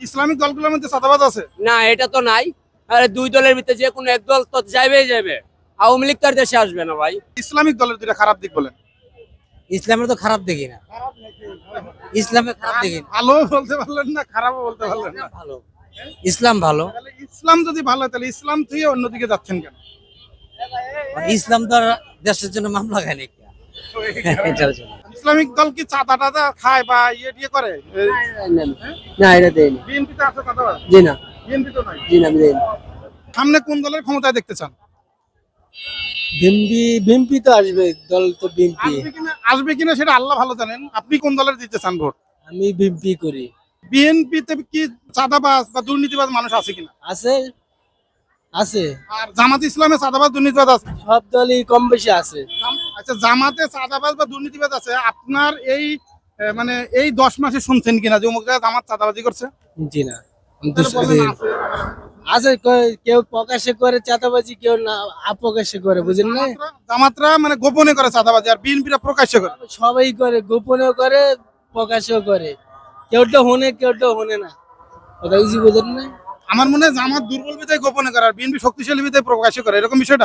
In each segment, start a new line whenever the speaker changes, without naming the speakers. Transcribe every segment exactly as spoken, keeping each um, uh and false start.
Islamic দলগুলোর মধ্যে চাঁদাবাজ আছে?
না, এটা তো নাই। আরে দুই দলের ভিতরে যে কোনো এক দল তো যাইবেই যাবে। আওয়ামী লীগ তার দেশে আসবে না ভাই।
ইসলামিক দলের দুইটা খারাপ দিক বলেন।
ইসলামের তো খারাপ দেখি না, ইসলামে খারাপ দেখি না।
ভালো বলতে পারলেন না, খারাপও বলতে পারলেন না।
ভালো, ইসলাম ভালো।
তাহলে ইসলাম যদি ভালো হয় তাহলে ইসলাম থেকে অন্যদিকে যাচ্ছেন কেন?
মানে ইসলাম তো আর দেশের জন্য মামলা খায় নাকি এটার জন্য।
ইসলামিক দল কি চাঁদা টাদা খায় বা ইয়ে টিয়ে করে?
না, এটা দেয়নি।
বিএনপি তে আছে চাঁদাবাজ?
জি না,
বিএনপি তো নাই।
জি না, আমি দেয়নি।
সামনে কোন দলের ক্ষমতায় দেখতে চান?
বিএমপি বিএমপি তো আসবে, দল তো বিএমপি।
আসবে কিনা আসবে কিনা সেটা আল্লাহ ভালো জানেন। আপনি কোন দলের দিতে চান ভোট?
আমি বিএমপি করি।
বিএনপি তে কি চাঁদাবাজ বা দুর্নীতিবাজ মানুষ আছে কিনা?
আছে, আছে,
আর জামাত ইসলামে চাঁদাবাজ দুর্নীতিবাজ আছে?
সব দলই কম বেশি আছে।
আচ্ছা, জামাতে চাঁদাবাজ বা দুর্নীতিবাজ আছে, আপনার এই আহ, মানে এই দশ মাসে শুনছেন কিনা যে অমুক জায়গায় জামাত চাঁদাবাজি করছে?
জি না,
তাহলে বলেন আছে।
আছে, ক- কেউ প্রকাশ্যে করে চাঁদাবাজি, কেউ না অপ্রকাশ্যে করে, বুঝেন না?
জামাতরা- জামাতরা মানে গোপনে করে চাঁদাবাজি আর বিএনপিরা প্রকাশ্যে করে।
সবাই করে, গোপনেও করে প্রকাশেও করে, কেউটা হনে কেউটা হনে না, কথা কিছু বুঝেন না?
আমার মনে হয় জামাত দুর্বল বিধায় গোপনে করে আর বিএনপি শক্তিশালী বিধায় প্রকাশ্যে করে, এরকম বিষয়টা।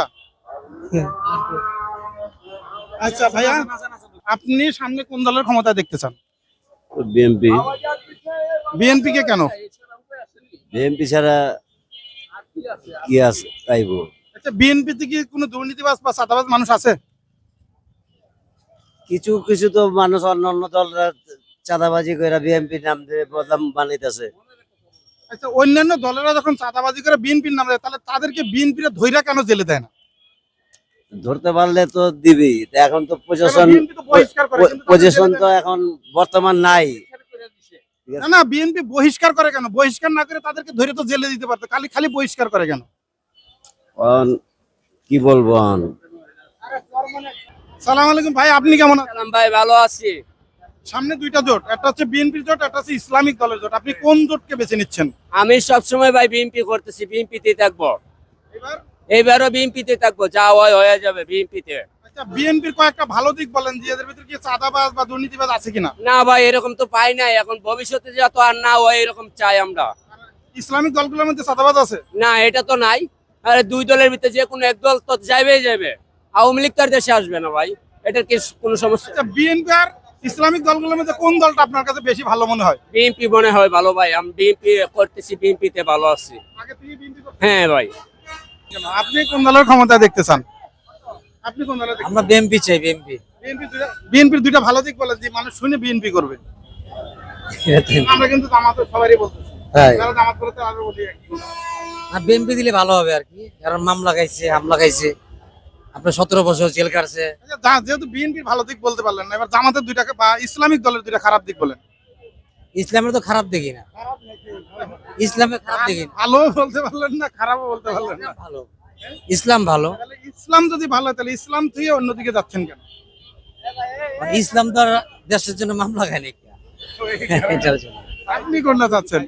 আচ্ছা ভাইয়া, আপনি সামনে কোন দলের ক্ষমতা দেখতে চান?
বিএনপি।
বিএনপি কে কেন?
বিএনপি ছাড়া কি আছে তাইবো।
আচ্ছা, বিএনপি তে কি কোনো দুর্নীতিবাজ বা চাঁদাবাজ মানুষ আছে?
কিছু কিছু তো মানুষ অন্য অন্য দলরা চাঁদাবাজি করে বিএনপির নাম দিয়ে বদনাম বানাইতেছে।
আচ্ছা, অন্যান্য দলেরা যখন চাঁদাবাজি করে বিএনপির নাম দেয় তাহলে তাদেরকে বিএনপিরা ধইরা কেন জেলে দেয় না?
ধরতে পারলে তো দিবি, এখন তো প্রশাসন
বিএনপি তো বহিষ্কার করে, কিন্তু তাদের
প্রশাসন
জেলে
তো
দেয় না।
এখন বর্তমান নাই।
না না, বিএনপি বহিষ্কার করে কেন? বহিষ্কার না করে তাদেরকে ধরে তো জেলে দিতে পারতো, খালি খালি বহিষ্কার করে কেন?
অন কি বলবো অন
সালাম আলাইকুম ভাই, আপনি কেমন আছেন?
সালাম ভাই, ভালো আছি।
সামনে দুইটা জোট, একটা হচ্ছে বিএনপির জোট, একটা হচ্ছে ইসলামিক দলের জোট। আপনি কোন জোটকে বেছে নিচ্ছেন
আমি সবসময় ভাই বিএনপি করতেছি, বিএনপিতে থাকবো।
এবার?
এইবারও বিএনপিতে থাকবো, যা হয় হয়ে যাবে বিএনপিতে।
আচ্ছা, বিএনপির কয়েকটা ভালো দিক বলেন যে এদের ভিতরে কি চাঁদাবাজ বা দুর্নীতিবাজ আছে কিনা?
না ভাই, এরকম তো পাই নাই। এখন ভবিষ্যতে যত আর না হয় এরকম চাই আমরা।
ইসলামিক দলগুলোর মধ্যে চাঁদাবাজ আছে?
না, এটা তো নাই। আরে দুই দলের ভিতরে যে কোনো এক দল তো যাইবেই যাবে। আওয়ামী লীগ তার দেশে আসবে না ভাই। এটার কি কোনো সমস্যা?
আচ্ছা, বিএনপি আর ইসলামিক দলগুলোর মধ্যে কোন দলটা আপনার কাছে বেশি ভালো মনে হয়?
বিএনপি মনে হয় ভালো ভাই। আমি বিএনপি করতেছি, বিএনপিতে ভালো আছি।
আগে থেকে বিএনপি করতেন?
হ্যাঁ ভাই।
কেন? আপনি কোন দলের ক্ষমতা দেখতে চান? আপনি কোন দলের?
আমরা বিএমপি চাই, বিএমপি।
বিএনপির দুইটা ভালো দিক বলেন যে মানুষ শুনে বিএনপি করবে। আমরা কিন্তু জামাতের সবারই বলতেছি, যারা জামাত করে তারা বলি একই।
বিএমপি দিলে ভালো হবে আর কি, কারণ মামলা খাইছে, হামলা খাইছে, আপনার সতেরো বছর জেল কাটছে।
আচ্ছা, যা- যেহেতু বিএনপির ভালো দিক বলতে পারলেন না, এবার জামাতের দুইটা বা ইসলামিক দলের দুইটা খারাপ দিক বলেন।
ইসলামের তো খারাপ দেখি না, ইসলামে খারাপ দেখি না।
ভালো বলতে পারলেন না, খারাপও বলতে পারলেন না।
ভালো, ইসলাম ভালো।
তাহলে ইসলাম যদি ভালো হয় তাহলে ইসলাম থেকে অন্যদিকে যাচ্ছেন কেন?
মানে ইসলাম তো আর দেশের জন্য মামলা খায় নাকি এটার জন্য।
আপনি কোনটা চাচ্ছেন?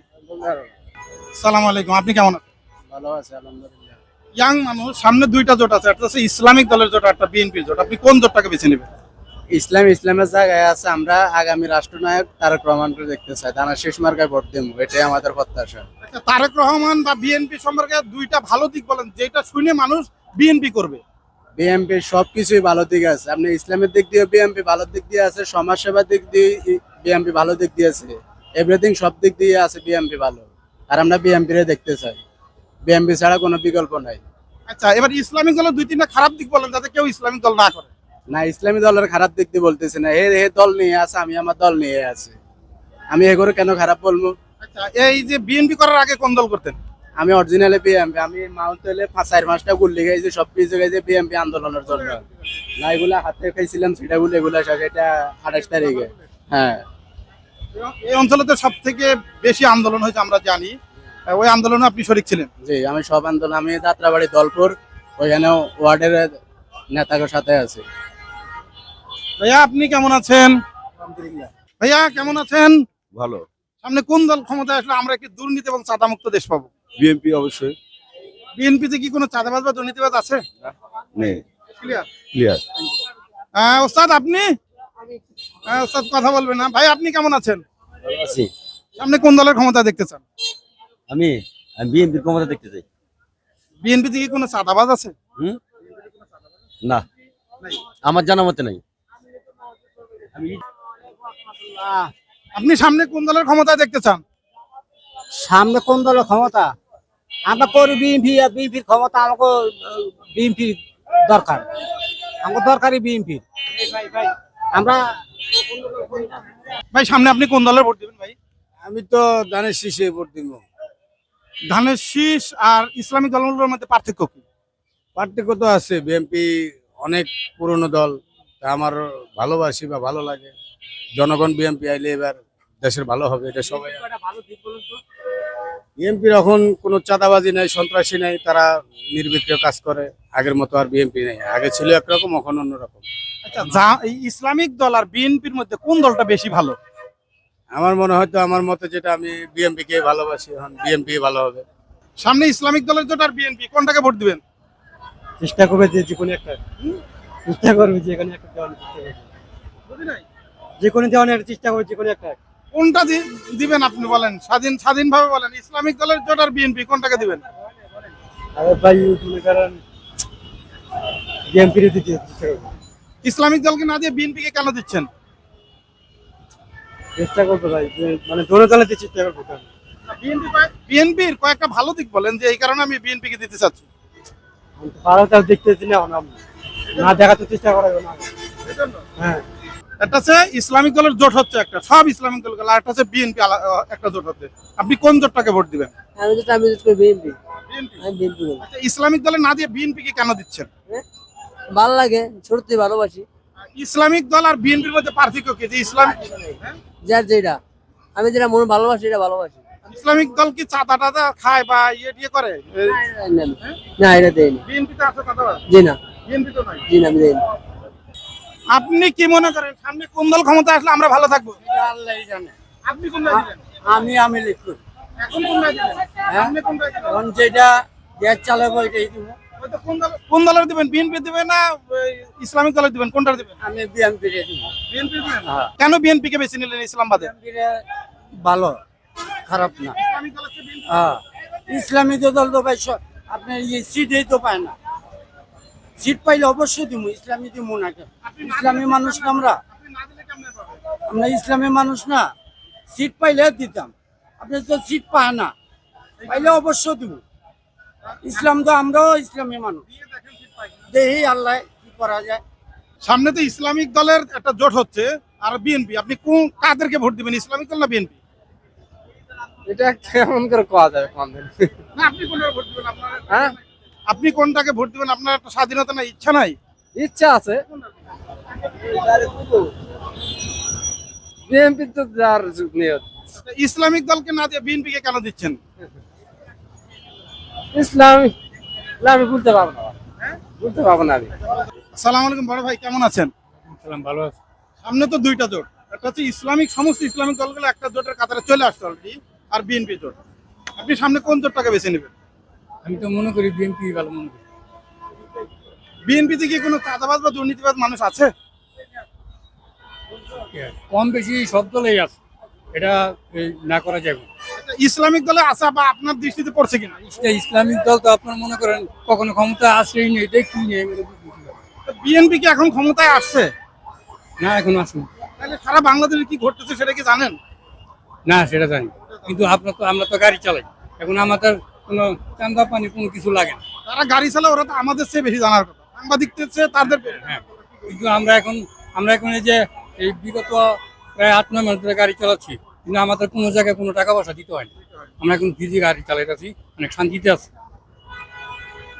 সালাম আলাইকুম, আপনি কেমন আছেন?
ভালো আছে আলহামদুলিল্লাহ।
ইয়াং মানুষ, সামনে দুইটা জোট আছে, একটা হচ্ছে ইসলামিক দলের জোট, একটা বিএনপির জোট। আপনি কোন জোটটাকে বেছে নেবেন?
ইসলাম ইসলামের জায়গায় আছে। আমরা আগামী রাষ্ট্রনায়ক তারেক রহমানকে দেখতে চাই, তারা শেষ মার্কায় ভোট দেবো, এটাই আমাদের প্রত্যাশা।
আচ্ছা, তারেক রহমান বা বিএনপি সম্পর্কে দুইটা ভালো দিক বলেন যেটা শুনে মানুষ বিএনপি করবে।
বিএনপি সবকিছুই ভালো দিক আছে। আপনি ইসলামের দিক দিয়ে বিএনপি ভালো দিক দিয়ে আছে, সমাজ সেবার দিক দিয়ে বিএনপি ভালো দিক দিয়ে আছে, এভরিথিং সব দিক দিয়ে আছে বিএনপি ভালো। আর আমরা বিএনপি রে দেখতে চাই, বিএনপি ছাড়া কোনো বিকল্প নাই।
আচ্ছা, এবার ইসলামিক দলের দুই তিনটা খারাপ দিক বলেন যাতে কেউ ইসলামিক দল না করে।
না, ইসলামী দলের খারাপ দিক দিয়ে বলতেছি না, হে হে দল নিয়ে আছে, আমি আমার দল নিয়ে আছি, আমি এগুলো কেন খারাপ বলবো?
আচ্ছা, এই যে বিএনপি করার আগে কোন দল করতেন?
আমি অরিজিনালি বিএমপি, আমি মাউন্ট হলে পাঁচ চার মাসটা গুল্লি খাইছি, সব কিছু খাইছি বিএমপি আন্দোলনের জন্য। না, এগুলা হাতে খাইছিলাম সেটা গুলো, এগুলা সব এটা আঠাশ তারিখে। হ্যাঁ,
এই অঞ্চলে তো সব থেকে বেশি আন্দোলন হয়েছে আমরা জানি, ওই আন্দোলনে আপনি শরিক ছিলেন?
জি, আমি সব আন্দোলন, আমি যাত্রাবাড়ি দলপুর ওইখানে ওয়ার্ডের নেতাদের সাথে আছি।
ভাইয়া, আপনি কেমন আছেন? ভাইয়া কেমন আছেন?
ভালো।
সামনে কোন দল ক্ষমতায় আসলে আমরা একটি দুর্নীতি এবং চাঁদামুক্ত দেশ পাবো?
বিএনপি অবশ্যই।
বিএনপিতে কি কোনো চাঁদাবাজ বা দুর্নীতিবাজ আছে?
নেই,
ক্লিয়ার।
ক্লিয়ার।
হ্যাঁ ওস্তাদ, আপনি? হ্যাঁ ওস্তাদ কথা বলবেন না। ভাই আপনি কেমন আছেন?
ভালো আছি।
সামনে কোন দলের ক্ষমতা দেখতে চান?
আমি আমি বিএনপির ক্ষমতা দেখতে চাই।
বিএনপি থেকে কোনো চাঁদাবাজ আছে?
হুম না, আমার জানা মতে নাই। আমি
আপনি সামনে কোন দলের ক্ষমতা দেখতে চান?
সামনে কোন দলের ক্ষমতা? আমরা করি বিএনপি, বিএনপির ক্ষমতা আমাকে বিএনপি দরকার, আমাকে দরকারই বিএনপি। আমরা
ভাই সামনে আপনি কোন দলের ভোট দিবেন ভাই?
আমি তো ধানের শীষে ভোট দিব।
ধানের শীষ আর ইসলামিক দলগুলোর মধ্যে পার্থক্য কি?
পার্থক্য তো আছে, বিএনপি অনেক পুরনো দল, তা আমার ভালোবাসি বা ভালো লাগে। জনগণ বিএনপি আইলে এবার দেশের ভালো হবে, এটা সবাই। বিএনপির এখন কোনো চাঁদাবাজি নাই, সন্ত্রাসী নাই, তারা নির্বিঘ্নে কাজ করে। আগের মতো আর বিএনপি নেই, আগে ছিল একরকম, এখন অন্যরকম।
আচ্ছা, যা এই ইসলামিক দল আর বিএনপির মধ্যে কোন দলটা বেশি ভালো?
আমার মনে হয় তো, আমার মতে যেটা, আমি বিএনপি কে ভালোবাসি, এখন বিএনপি ভালো হবে।
সামনে ইসলামিক দলের জোট আর বিএনপি, কোনটাকে ভোট দিবেন?
চেষ্টা করবে যে যে কোনো একটা চেষ্টা করবে যে কোনো একটা দেওয়ার চেষ্টা করবে, যে কোনো দেওয়ার চেষ্টা করবে, যে কোনো একটা।
কোনটা দি- দিবেন আপনি বলেন, স্বাধীন স্বাধীনভাবে বলেন, ইসলামিক দলের জোট আর বিএনপি কোনটাকে দিবেন?
আরে ভাই মনে করেন বিএনপির দিতে চেষ্টা করবে,
ইসলামিক দলকে না দিয়ে বিএনপি কে কেন দিচ্ছেন?
চেষ্টা করবে ভাই, যে মানে দোনো দলেতে চেষ্টা করবে।
বিএনপির কয়েকটা ভালো দিক বলেন যে এই কারণে আমি বিএনপি কে দিতে চাচ্ছি।
ভালো তাও দেখতেছি না, এখন আমরা না দেখাতে চেষ্টা করা যাবে না। হ্যাঁ,
একটা হচ্ছে ইসলামিক দলের জোট হচ্ছে একটা, সব ইসলামিক দল, আর একটা হচ্ছে বিএনপি একটা জোট হচ্ছে। আপনি কোন জোটটাকে ভোট দিবেন?
আমি তো আমি তো বিএনপি,
বিএনপি।
আমি বিএনপি বলি।
আচ্ছা, ইসলামিক দলে না দিয়ে বিএনপি কে কেন দিচ্ছেন?
ভালো লাগে, সত্যি ভালোবাসি।
ইসলামিক দল আর বিএনপির মধ্যে পার্থক্য কি? যে ইসলাম
যার যেটা, আমি যেটা মনে ভালোবাসি এটা ভালোবাসি।
ইসলামিক দল কি চাঁদা টাদা খায় বা ইয়ে টিয়ে করে?
না, এটা দেয়নি।
বিএনপিতে আছে চাঁদাবাজ?
জি না,
বিএনপি তো নাই।
জি না, আমি দেয়নি।
আপনি কি মনে করেন সামনে কোন দল ক্ষমতা আসলে আমরা ভালো থাকবো?
আল্লাহই জানে।
আপনি কোনটা দিবেন?
আমি আমি লিখবো,
এখন কোনটা দিবেন? সামনে কোনটা দিবেন?
এখন যেটা দেশ চালাবো এটাই দিব।
হয়তো কোন দল কোন দলের দিবেন? বিএনপি দিবেন না ওই ইসলামিক দলের দিবেন? কোনটা দিবেন?
আমি বিএনপি রে দিব।
বিএনপি দিবেন? কেন বিএনপি কে বেছে নিলেন ইসলাম বাদে?
বিএনপি রে ভালো, খারাপ না।
ইসলামিক দলের চেয়ে বিএনপি
হ্যাঁ, ইসলামী দল তো ভাই স- আপনার ইয়ে সিটই তো পায় না। সিট পাইলে অবশ্যই দিব, ইসলামী দিব না কেন? ইসলামী মানুষ না আমরা,
আপনি না দিলে কেমনে পাবেন?
আমরা ইসলামী মানুষ না। সিট পাইলে দিতাম, আপনি তো সিট পায় না, পাইলে অবশ্যই দিব। ইসলাম তো আমরাও ইসলামী মানুষ,
দিয়ে দেখেন ঠিক পাই কিনা।
দেখি আল্লাহ কি করা যায়।
সামনে তো ইসলামিক দলের একটা জোট হচ্ছে আর বিএনপি, আপনি কোন কাদেরকে ভোট দিবেন, ইসলামিক দল না বিএনপি?
এটা কেমন করে কোয়া যাবে কোন দিন?
না আপনি কোনটাকে ভোট দিবেন? আপনার
হ্যাঁ,
আপনি কোনটাকে ভোট দিবেন? আপনার একটা স্বাধীনতা নাই, ইচ্ছা নাই?
ইচ্ছা আছে বিএনপি তো যার যুগ নিয়ে
আচ্ছা, ইসলামিক দলকে না দিয়ে বিএনপি কে কেন দিচ্ছেন?
ইসলামী আমি বলতে পারবো না, বলতে পারবো না আমি।
আসসালামু আলাইকুম বড় ভাই, কেমন আছেন?
ভালো আছে।
সামনে তো দুইটা জোট, একটা হচ্ছে ইসলামিক, সমস্ত ইসলামিক দলগুলো একটা জোটের কাতারে চলে আসছে অলরেডি, আর বিএনপি জোট। আপনি সামনে কোন জোটটাকে বেছে নেবেন?
আমি তো মনে করি বিএনপি ভালো মনে করি।
বিএনপিতে কি কোনো চাঁদাবাজ বা দুর্নীতিবাজ মানুষ আছে?
কম বেশি সব দলেই আছে, এটা এই, না করা যাবে না।
আচ্ছা, ইসলামিক দলে আছে বা আপনার দৃষ্টিতে পড়ছে কিনা?
এটা ইসলামিক দল তো আপনার মনে করেন কখনো ক্ষমতা আসেই নেই, এটা কি নেই আমি তো বুঝতে পারি না।
বিএনপি কি এখন ক্ষমতায় আসছে?
না এখন আসুন,
তাহলে সারা বাংলাদেশে কি ঘটতেছে সেটা কি জানেন?
না সেটা জানি, কিন্তু আপনার তো আমরা তো গাড়ি চালাই, এখন আমাদের কোনো চান্দা পানি কোনো কিছু লাগে না।
তারা গাড়ি চালায়, ওরা তো আমাদের চেয়ে বেশি জানার কথা, সাংবাদিকদের চেয়ে তাদের বেশি।
হ্যাঁ, কিন্তু আমরা এখন আমরা এখন এই যে এই বিগত প্রায় আট নয় মাস ধরে গাড়ি চালাচ্ছি, কিন্তু আমাদের কোনো জায়গায় কোনো টাকা পয়সা দিতে হয় না। আমরা এখন ফ্রিতে গাড়ি চালাইতেছি, অনেক শান্তিতে আছি।